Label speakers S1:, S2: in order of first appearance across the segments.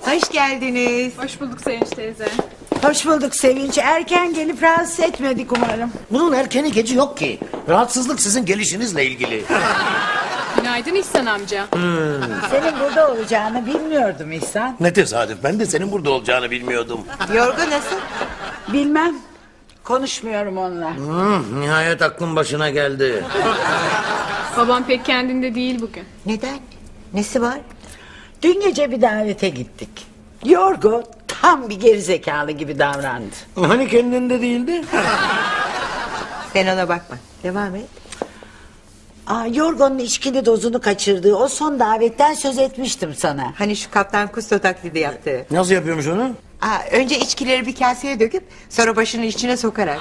S1: Hoş geldiniz.
S2: Hoş bulduk Sevinç teyze.
S3: Hoş bulduk Sevinç. Erken gelip rahatsız etmedik umarım.
S4: Bunun erkeni geci yok ki. Rahatsızlık sizin gelişinizle ilgili.
S2: Günaydın İhsan amca.
S3: Senin burada olacağını bilmiyordum İhsan.
S4: Ne tesadüf, ben de senin burada olacağını bilmiyordum.
S1: Yorgo nasıl?
S3: Bilmem. Konuşmuyorum onunla.
S4: Nihayet aklın başına geldi.
S2: Babam pek kendinde değil bugün.
S1: Neden? Nesi var?
S3: Dün gece bir davete gittik. Yorgo tam bir gerizekalı gibi davrandı.
S4: Hani kendinde değildi?
S1: Sen ona bakma. Devam et.
S3: Yorgo'nun içkili dozunu kaçırdığı o son davetten söz etmiştim sana.
S1: Hani şu Kaptan Kusto taklidi yaptı.
S4: Nasıl yapıyormuş onu?
S1: Önce içkileri bir kaseye döküp sonra başının içine sokarak.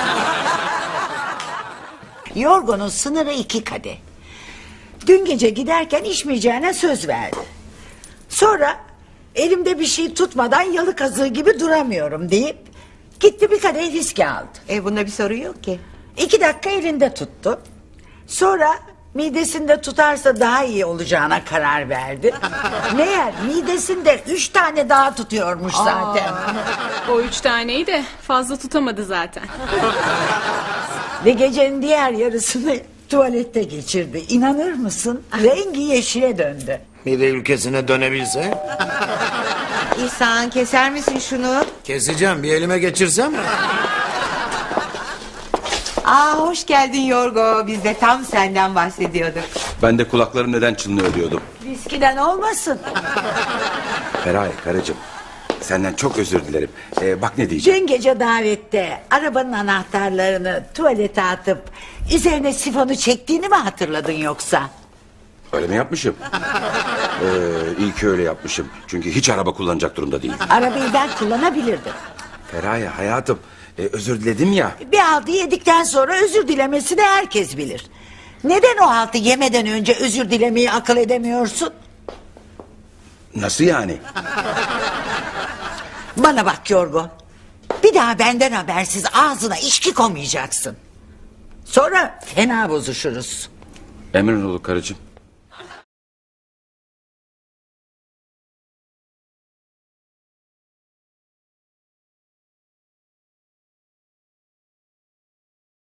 S3: Yorgo'nun sınırı 2 kadeh. Dün gece giderken içmeyeceğine söz verdi. Sonra elimde bir şey tutmadan yalı kazığı gibi duramıyorum deyip gitti bir kadeh viski aldı.
S1: Bunda bir sorun yok ki.
S3: 2 dakika elinde tuttu. Sonra midesinde tutarsa daha iyi olacağına karar verdi. Meğer midesinde 3 tane daha tutuyormuş zaten.
S2: O 3 taneyi de fazla tutamadı zaten.
S3: Ve gecenin diğer yarısını tuvalette geçirdi. İnanır mısın? Rengi yeşile döndü.
S4: Mide ülkesine dönebilse.
S1: İhsan keser misin şunu?
S4: Keseceğim, bir elime geçirsem.
S1: Hoş geldin Yorgo. Biz de tam senden bahsediyorduk.
S5: Ben de kulaklarım neden çınlıyor diyordum.
S3: Viskiden olmasın.
S5: Feraye karıcığım, senden çok özür dilerim. Bak ne diyeceğim.
S3: Dün gece davette arabanın anahtarlarını tuvalete atıp üzerine sifonu çektiğini mi hatırladın yoksa?
S5: Öyle mi yapmışım? İyi ki öyle yapmışım. Çünkü hiç araba kullanacak durumda değilim.
S3: Arabayı ben kullanabilirdim.
S5: Feraye hayatım, özür diledim ya.
S3: Bir haltı yedikten sonra özür dilemesini herkes bilir. Neden o haltı yemeden önce özür dilemeyi akıl edemiyorsun?
S5: Nasıl yani?
S3: Bana bak Yorgo. Bir daha benden habersiz ağzına içki koymayacaksın. Sonra fena bozuşuruz.
S5: Emrin olur karıcığım.